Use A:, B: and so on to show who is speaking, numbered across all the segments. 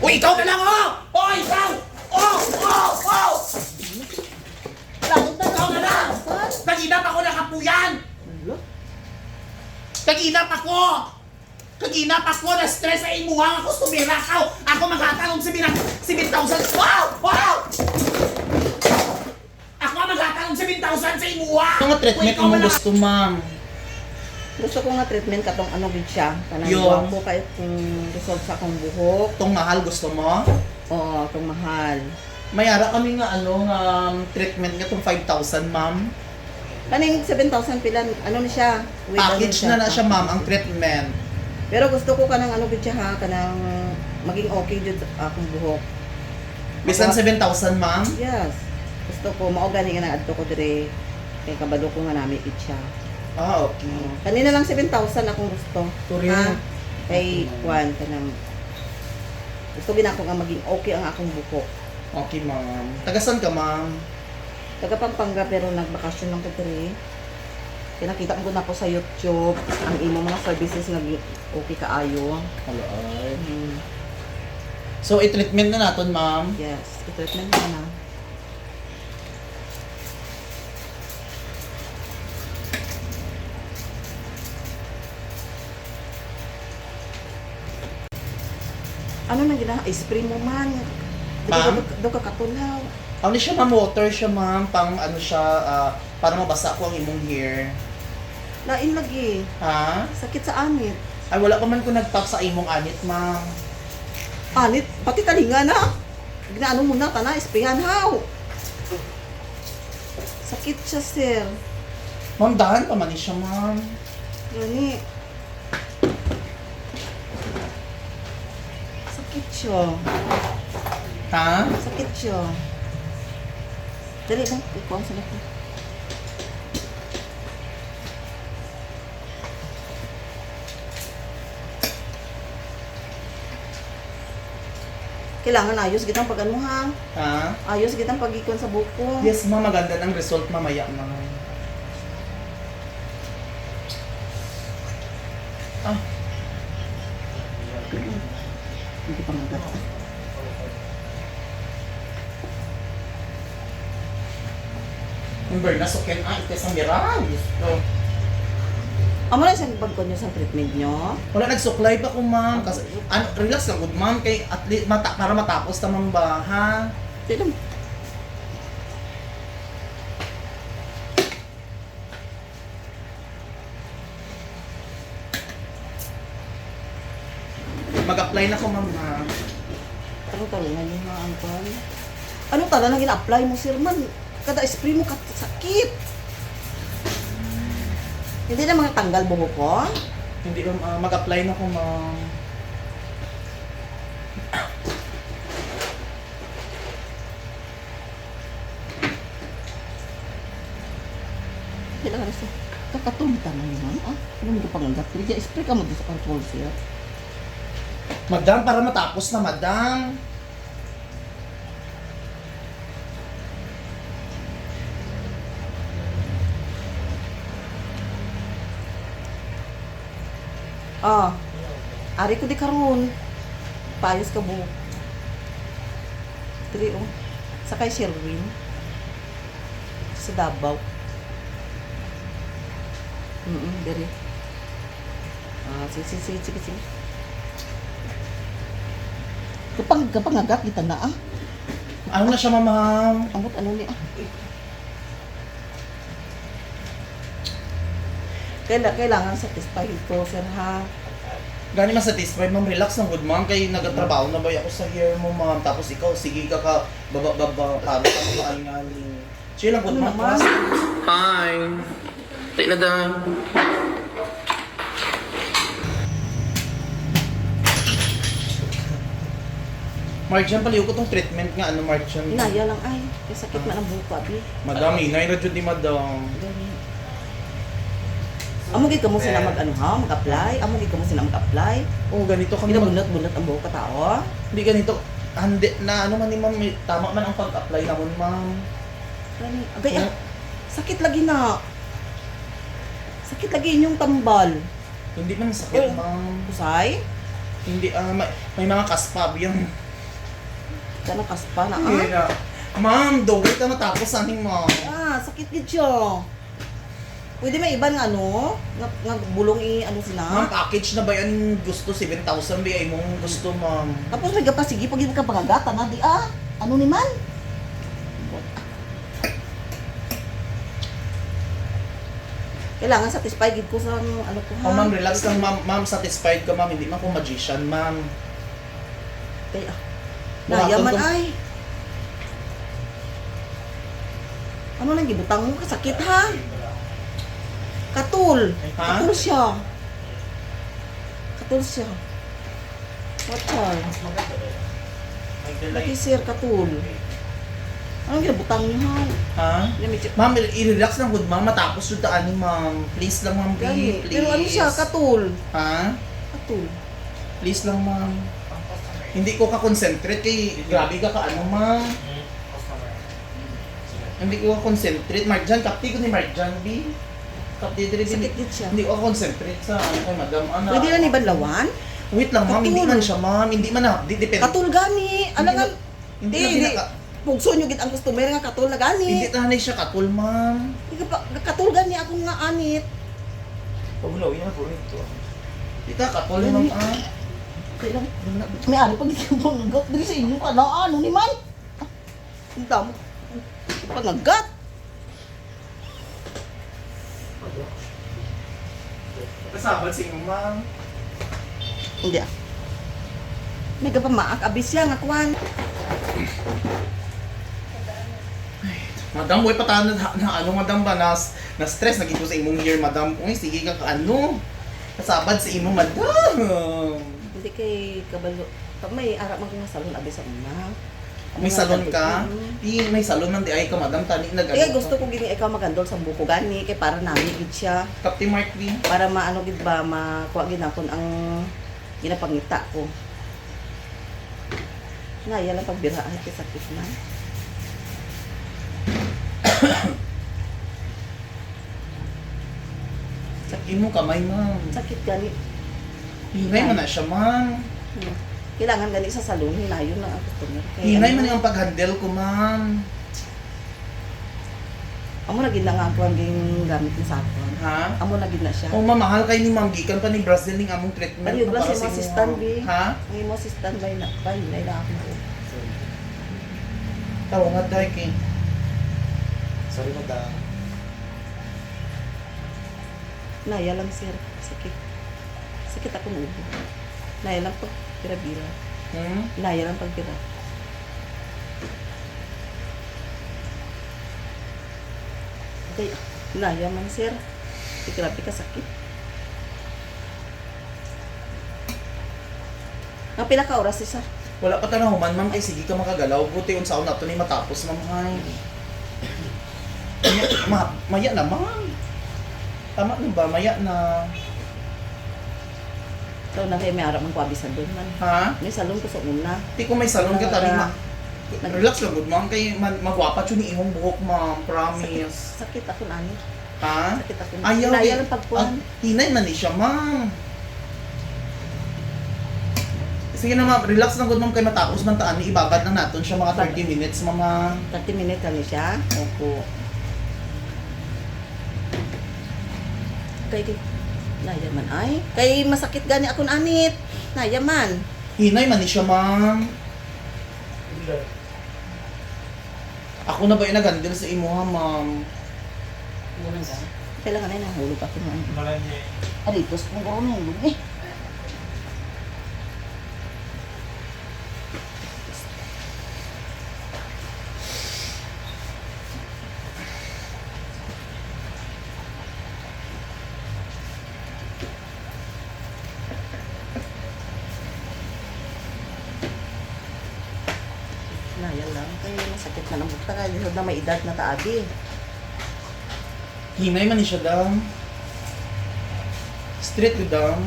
A: O ikaw na lang, oh! Oh, ikaw! Oh! Oh! Oh! Ikaw na lang! Kaginap ako nakapuyan! Kaginap ako! Kaginap ako! Na-stress sa imuha ako! Sumira ka! Ako maghatanong 7,000! Wow! Wow! Ako maghatanong 7,000 sa imuha!
B: Ano nga treatment
A: Ikaw
B: mo
A: na lang-
B: gusto, ma'am?
C: Gusto ko nga treatment katong ano gid siya. Kanang
B: Yung-
C: guwapo kahit kung resolve sa akong buhok.
B: Itong mahal gusto mo?
C: Oo, itong mahal.
B: Mayara kami nga treatment nga itong 5,000, ma'am.
C: Kaning 7,000 pilan, ano na siya? With
B: Package
C: ano
B: na siya, ma'am, ang treatment.
C: Pero gusto ko kanang ano gid siya ha, kanang maging okay jud akong buhok.
B: Bisan 7,000, ma'am.
C: Yes. Gusto ko mao gani nga naadto ko dire kay kabalo ko nga nami gid siya.
B: Ah, okay.
C: Kanina lang 7,000 akong gusto.
B: Turin.
C: Ha? Kay Juan kanang gusto ginako nga maging okay ang akong buhok.
B: Okay, ma'am. Tagasan ka, ma'am?
C: Taga Pampanga pero nagbakasyon lang ko diri. Kaya nakita ko na po sa YouTube ang imo mga services nga okay kaayo.
B: Hello, ay.
C: Mm,
B: So, i-treatment na natin, ma'am.
C: yes, i-treatment mo na. Ano na gina? Spray mo man.
B: Ma'am?
C: Do ka katulaw.
B: Ano siya, ma'am? Water siya, ma'am. Pang ano siya, para mabasa ko ang imong hair.
C: Lain lagi.
B: Ha?
C: Sakit sa anit.
B: Ay, wala pa man ko nag-pack sa imong anit, ma'am.
C: Anit, pati talinga na. Ginaano mo na, kana, sprayan haw. Sakit siya, sir.
B: Ma'am, dahan pa man siya, ma'am.
C: Gani. Sakit siya.
B: Ha?
C: Sakit siya. Dali lang, ikuha sa lahat. Kailangan ayos gitang pag ano ha.
B: Ha?
C: Ayos gitang pag-ikon sa buko.
B: Yes, ma'am. Maganda ng result mamaya, ma'am. Ah,
C: Hindi pa magat.
B: yung Berna, so can ite sa miral. So,
C: Amo na siyang pagkon niyo sa treatment niyo.
B: wala nagsuklay pa ko, ma'am. Kasi, ano, relax lang, good, ma'am. Kay, at least, para matapos naman ba, ha?
C: Tilam.
B: Mag-apply na ko, ma'am, ha?
C: Ano talaga yung mga angkon? Ano talaga na gina-apply mo, sir man? Kada spray mo sakit. Hindi na mga tanggal buhok ko.
B: Hindi, mag-apply na ko, ma'am.
C: Kailangan sa kakatunta na yun, ah. Ano mo panganggap? Kaya spray ka mo doon sa control, sir.
B: Madam, para matapos na, madam.
C: Ah, ari ko di karon. Paayos ka buhok. Dili oh. Sakay Sherwin. Sa Davao. Diri. Ah, sige. Kapag agat kita na ah.
B: Ano na siya, ma'am?
C: Amot ano ni ah. Kailangan satisfied ko, sir ha.
B: Gani man satisfied, ma'am. Relax lang, good, ma'am. Kay nagatrabaho na ba ako sa hair mo, ma'am. Tapos ikaw, sige ka baba, para ka maalingaling. Chill lang, good,
C: Ano
B: ma'am.
C: naman?
A: Hi! Take na daan.
B: Marjan, paliw ko tong treatment nga. Ano, Marjan?
C: Inaya lang ay. Kaya sakit man ang buhok abi.
B: Madam, inay na dyan ni madam.
C: Gani. Amo gid kamo sila mag-ano ha, mag-apply. Amo gid kamo sila mag-apply.
B: Oh, ganito kami.
C: Kinabunot-bunot ang buhok ka tao.
B: Hindi ganito. Handi na ano man ni ma'am. Tama man ang pag-apply naman, ma'am.
C: Gani. Agay ah. Sakit lagi na. Sakit lagi inyong tambal.
B: Hindi man sakit,
C: Oh.
B: ma'am.
C: Usay?
B: Hindi, may mga kaspab yung...
C: Kana kaspa na
B: Hindi na. Ma'am, the wait na matapos aning ma'am.
C: sakit gid siya. Pwede may iban nga ano, nga bulong ano sila.
B: Ma'am, package na ba yan gusto? 7,000 ba ay mong gusto, ma'am?
C: Tapos may gapasigi pag ka pangagata na di ano ni man? Kailangan satisfied gid ko sa ano ko ha.
B: Oh, ma'am, relax lang, ma'am. Ma'am, satisfied ka, ma'am. Hindi man ko magician, ma'am.
C: Kaya,
B: Buhaton
C: nayaman
B: ko-
C: ay. Ano lang gibutang mo kasakit ha? Katul.
B: Ha?
C: Katul siya. Katul siya. Watchar. Lagi sir katul. Anong gibutang niyo ha?
B: Ha?
C: Lamig-
B: Ma'am, i-relax lang, good ma'am. Matapos yung daan ni ma'am. Please lang, ma'am.
C: Gani.
B: Please.
C: Pero ano siya? Katul.
B: Ha?
C: Katul.
B: Please lang, ma'am. Hindi ko ka-concentrate kay grabe ka ano, ma'am. Hindi ko ka-concentrate. Marjan, kapti ko ni Marjan, B. Kapti diri din.
C: Sakit din siya.
B: Hindi ko ka-concentrate sa ano kay madam. Ano?
C: Pwede na ni Banlawan?
B: Wait lang, ma'am. Hindi
C: Katul.
B: man siya, ma'am. Hindi man na. Depende.
C: Katul gani. Alangan.
B: Hindi
C: Di,
B: na
C: di. Pugso nyo gid ang customer nga katul na gani.
B: Hindi na siya katul, ma'am.
C: Di ka pa, katul gani akong nga anit.
B: Pagulaw, yun ako ito. Ita, katul, ma'am.
C: Kaya lang, may ari pag ikaw diri sa inyo ka na ano ni man. Ang damo. Panagat.
B: Kasabal sa inyo, ma'am.
C: Hindi May ka pa maak abis siya nga kuan.
B: Madam, boy, patahan na ano, madam ba, na stress, naging ko sa imong year, madam. Uy, sige ka ano. Kasabad sa imong, madam.
C: Hindi kay kabalo. Pag may ara man nga salon abis sa una.
B: May salon ka? Di, may salon man di ay ka, madam. Tani,
C: Kaya gusto ko gini ikaw magandol sa buko gani kay para nami gid siya.
B: Captain Mark B.
C: Para maano gid ba makuha gid nakon ang ginapangita ko. Naya lang pagbiraan kay sakit na.
B: Imo kamay, ma'am.
C: Sakit gani.
B: Hinay man na siya, ma'am.
C: Kailangan gani sa salon hinayon lang ang customer.
B: Hinay man yung pag-handle ko, ma'am.
C: Amo na gid na nga ako ang gamit ni sa akon.
B: Ha?
C: Amo na gid na siya.
B: Oh, mamahal kay ni ma'am. Gikan pa ni Brazil ning among treatment.
C: Ano yung
B: para
C: Brazil,
B: sa
C: mo
B: inyo.
C: assistant, B?
B: Ha?
C: Ang imo si standby na ba hinay na ako.
B: Tawangat dahil kay.
D: Sorry, madam.
C: Naya lang sir, sakit. Sakit ako ng ubo. Naya lang pag bira-bira. Naya lang pag bira. Okay, naya man sir. Grabe ka sakit. Ang pila ka oras isa?
B: Wala pa tanahuman, ma'am. Kay sige ka makagalaw. Buti unsaon na to ni matapos, ma'am. Ay. Maya na, ma'am. Tama na ba? Maya na.
C: So na kayo may arap ng kwabisan doon man.
B: Ha?
C: May salon ko sa una.
B: Di ko may salon ka tali, ma. Relax lang, good, ma'am. Kay magwapat yun ni imong buhok, ma'am. Promise.
C: Sakit ako na ano.
B: Ha?
C: Sakit ako na.
B: Ayaw.
C: Naya
B: eh.
C: lang pagpuan.
B: Hinay man ni siya, ma'am. Sige na, ma'am. Relax lang, good, ma'am. Kay matapos man taan. Ibabad lang natin siya mga 30 minutes, mama.
C: 30 minutes kami siya.
B: Opo.
C: Kay di. Naya man ay. Kay masakit gani ako anit. Naya man.
B: Hinay man ni siya, ma'am. Ako na ba yung nag-handle sa imo, ha, ma'am?
C: Kailangan na nahulog ako ng ano.
D: Malanya.
C: Aritos kung garo nahulog eh. Naya lang. Kaya masakit na ng bukta. Kaya na may edad na taabi.
B: Hinay man ni siya, dam. Straight to dam.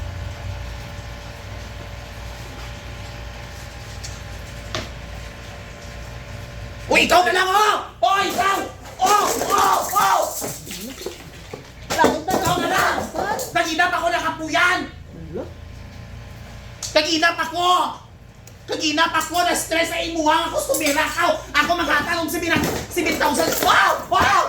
B: Uy, ikaw na lang, oh! Oh, ikaw! Oh! Oh! Oh!
C: Bakit na
B: Ikaw na lang! Naginap ako nakapuyan!
C: Hello?
B: Naginap ako!
A: Kagina pa ko na stress sa imuha nga kustumira ka. Ako maghatalong 7,000. Wow! Wow!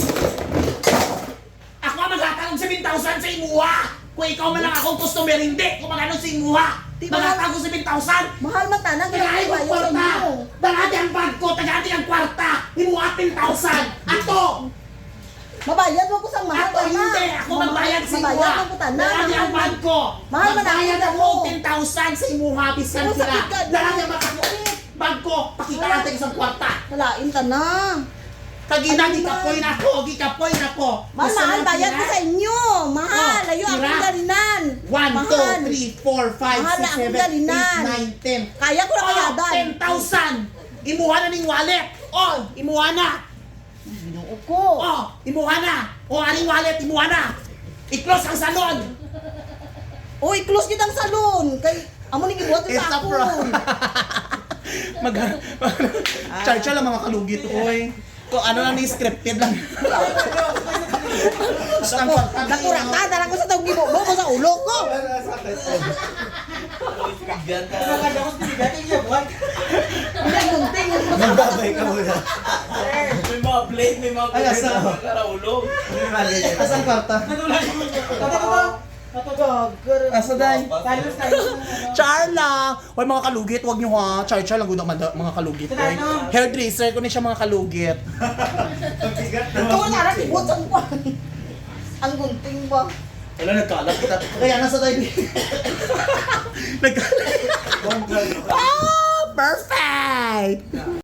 A: Ako maghatalong 7,000 sa imuha. Kung ikaw man lang akong customer, hindi. Kung magano sa imuha.
C: Di ba-
A: Maghatalong 7,000.
C: Mahal man tanang
A: Tagay ko kwarta! Tagadi ang bag ko! Tagadi ang kwarta! Himuha 10,000! Ato!
C: Mabayad mo ko sang mahal
A: Ako hindi! Ako magbayad sa imuha!
C: Mabayad mo ko tanang.
A: Tagadi ang bag ko!
C: Mahal man ang
A: Magbayad
C: kita
A: ako
C: mo.
A: 10,000 sa imuha! Bisan
C: Ano,
A: sila!
C: sakit ka?
A: Tagadi ang bag ko! Pakita natin isang kwarta!
C: Walain ka na.
A: Kagina,
C: Ano
A: gikapoy na ko! Gikapoy na ko!
C: Mahal,
A: Gusto
C: mahal,
A: mo
C: bayad
A: tira?
C: ko sa inyo. Mahal,
A: Oh,
C: ayo
A: tira.
C: akong galinan.
A: 1,
C: Mahal.
A: 2, 3, 4, 5,
C: Mahal
A: 6,
C: na akong
A: 7, 8,
C: galinan.
A: 9, 10.
C: Kaya ko na kayadan.
A: 10,000! Imuha na ning wallet! Oh, imuha na!
C: Binuo ko.
A: Oh, imuha na! Oh, aning wallet, imuha na! I-close ang salon!
C: Uy, close kitang salon. Kay, amo ni gibuhat
B: It's
C: sa
B: a
C: ako.
B: prank. Charcha lang mga kalugit, oy. Kung ano lang ni scripted lang.
C: Nakurata na lang ko sa tawag gibuo mo sa ulo ko. Hindi, gunting.
D: Magbabay ka muna.
E: May mga blade, may mga
B: Ay, asa?
E: karaulo.
B: Asan kwarta? Asa day?
A: Char lang! Hoy mga kalugit, wag niyo ha. Char lang gud mga kalugit. Hoy. Hairdresser ko ni siya mga kalugit.
C: Ito na lang gibuhat sa uwan. Ang gunting ba?
B: Wala, nagkalat kita. Kaya nasa tayo.
A: Ah, perfect!